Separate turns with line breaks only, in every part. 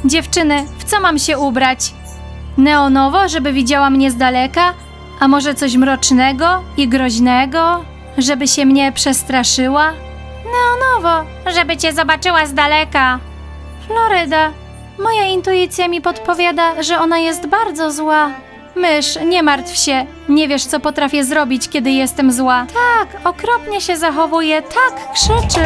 Dziewczyny, w co mam się ubrać? Neonowo, żeby widziała mnie z daleka? A może coś mrocznego i groźnego, żeby się mnie przestraszyła? Neonowo, żeby cię zobaczyła z daleka. Floryda, moja intuicja mi podpowiada, że ona jest bardzo zła. Mysz, nie martw się. Nie wiesz, co potrafię zrobić, kiedy jestem zła. Tak, okropnie się zachowuje, tak krzyczy.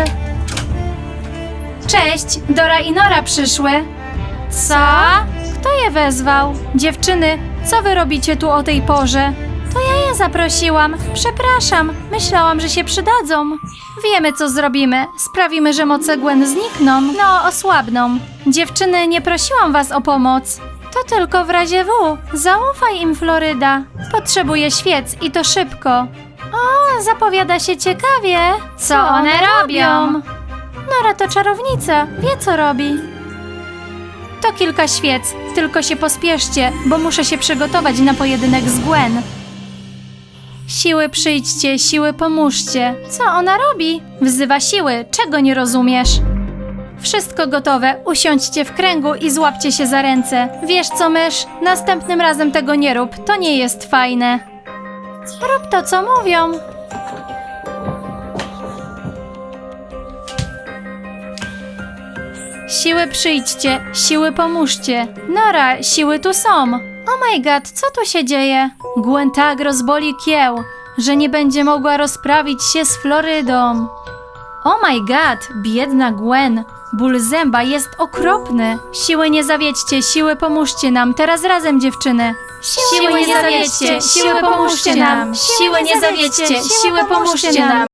Cześć, Dora i Nora przyszły. Co? Kto je wezwał? Dziewczyny, co wy robicie tu o tej porze? To ja je zaprosiłam. Przepraszam, myślałam, że się przydadzą. Wiemy, co zrobimy. Sprawimy, że moce Gwen znikną. No, osłabną. Dziewczyny, nie prosiłam was o pomoc. To tylko w razie W. Zaufaj im, Floryda. Potrzebuję świec i to szybko. O, zapowiada się ciekawie. Co one robią? Nora to czarownica, wie co robi. To kilka świec, tylko się pospieszcie, bo muszę się przygotować na pojedynek z Gwen. Siły przyjdźcie, siły pomóżcie. Co ona robi? Wzywa siły, czego nie rozumiesz? Wszystko gotowe, usiądźcie w kręgu i złapcie się za ręce. Wiesz co, mysz? Następnym razem tego nie rób, to nie jest fajne. Rób to, co mówią. Siły przyjdźcie, siły pomóżcie. Nora, siły tu są. Oh my god, co tu się dzieje? Gwen tak rozboli kieł, że nie będzie mogła rozprawić się z Florydą. Oh my god, biedna Gwen. Ból zęba jest okropny. Siły nie zawiedźcie, siły pomóżcie nam. Teraz razem, dziewczyny. Siły nie zawiedźcie, siły pomóżcie nam. Siły nie zawiedźcie, siły pomóżcie nam.